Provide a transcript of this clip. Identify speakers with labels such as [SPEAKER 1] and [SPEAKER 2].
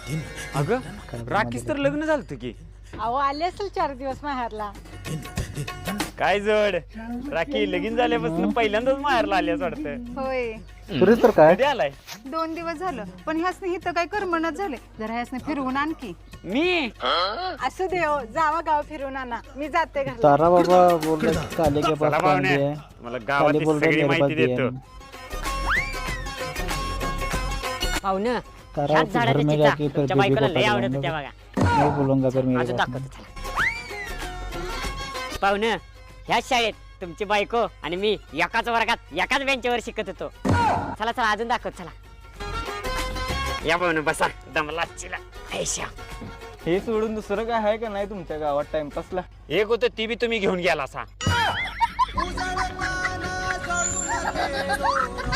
[SPEAKER 1] अगं राखीच तर लग्न झालं की.
[SPEAKER 2] अहो आले असेल 4 दिवस माहेरला.
[SPEAKER 1] काय जड राखी लगीन झाल्यापासून पहिल्यांदाच माहेरला आल्यास वाटतं.
[SPEAKER 3] होय
[SPEAKER 4] तुरी तर काय
[SPEAKER 1] कधी आलाय?
[SPEAKER 3] 2 दिवस झालं पण ह्यासने इथं काय करमणच झाले. जरा ह्यासने फिरवून आणखी.
[SPEAKER 1] मी
[SPEAKER 2] असू दे हो, जावा गाव फिरून आणा. मी जाते घरला.
[SPEAKER 4] तारा बाबा बोल रहे काले के पास
[SPEAKER 1] चला
[SPEAKER 4] पानी
[SPEAKER 1] पाहुणे,
[SPEAKER 4] है
[SPEAKER 1] मला
[SPEAKER 4] काले
[SPEAKER 1] गावात
[SPEAKER 4] बोल रहे
[SPEAKER 1] सगळी
[SPEAKER 4] मेरे पास
[SPEAKER 1] माहिती
[SPEAKER 4] भी
[SPEAKER 1] देतो.
[SPEAKER 4] है
[SPEAKER 5] पाहुणं
[SPEAKER 4] तारा
[SPEAKER 5] ह्याच
[SPEAKER 4] के घर
[SPEAKER 5] झाडाच्या
[SPEAKER 4] में
[SPEAKER 5] चिचा
[SPEAKER 4] जाके फिर
[SPEAKER 5] तुमच्या
[SPEAKER 4] बेबी
[SPEAKER 5] बायकोला
[SPEAKER 4] को
[SPEAKER 5] लय आवडत
[SPEAKER 4] पकड़ूंगा
[SPEAKER 5] होत्या बघा.
[SPEAKER 4] मैं बोलूंगा फिर मेरे
[SPEAKER 5] अजून
[SPEAKER 4] पास
[SPEAKER 5] दाखवतो चला. पाहुणं ह्याच शाळेत तुमची बायको आणि मी एकाच वर्गात एकाच बेंचवर शिकत होतो. चला चला अजून दाखवत चला. या पाहुणं बसा दमला चिला ऐशा.
[SPEAKER 6] हे सोडून दुसरं काय आहे का नाही तुमच्या गावात टाइमपासला?
[SPEAKER 1] एक होतं ती बी तुम्ही घेऊन गेला सा.